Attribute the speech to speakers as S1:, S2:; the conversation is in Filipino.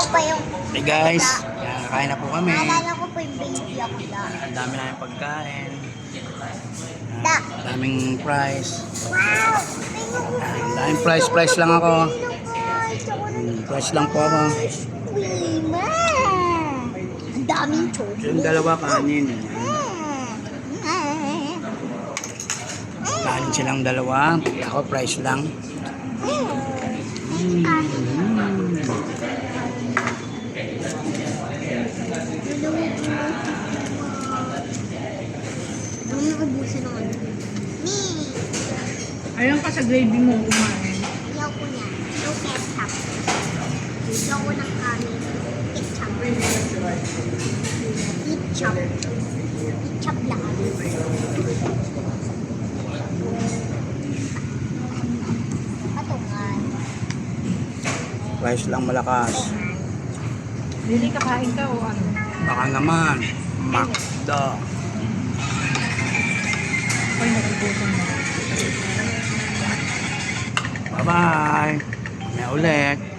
S1: pa yung...
S2: Hey guys, yan, kakain na po kami.
S1: Naalala ko po yung baby ako lang.
S2: Ang dami namin pagkain.
S1: Da.
S2: Ang daming price.
S1: Wow!
S2: Ang daming price lang ako. Price lang po ako.
S1: Wima! Ang daming chocolate.
S2: Yung dalawa kanin. Kanin silang dalawa. Ako price lang.
S3: Ayun ka sa gravy mo kumain.
S1: Ayaw ko niya. No ketchup. Ayaw ko ng kanin. Ketchup. Ketchup. Ketchup lang. Patungan.
S2: Price lang malakas.
S3: Lili, kakain ka o ano?
S2: Baka naman. Makda.
S3: Ay, nagugutom na.
S2: Bye-bye. May ulit.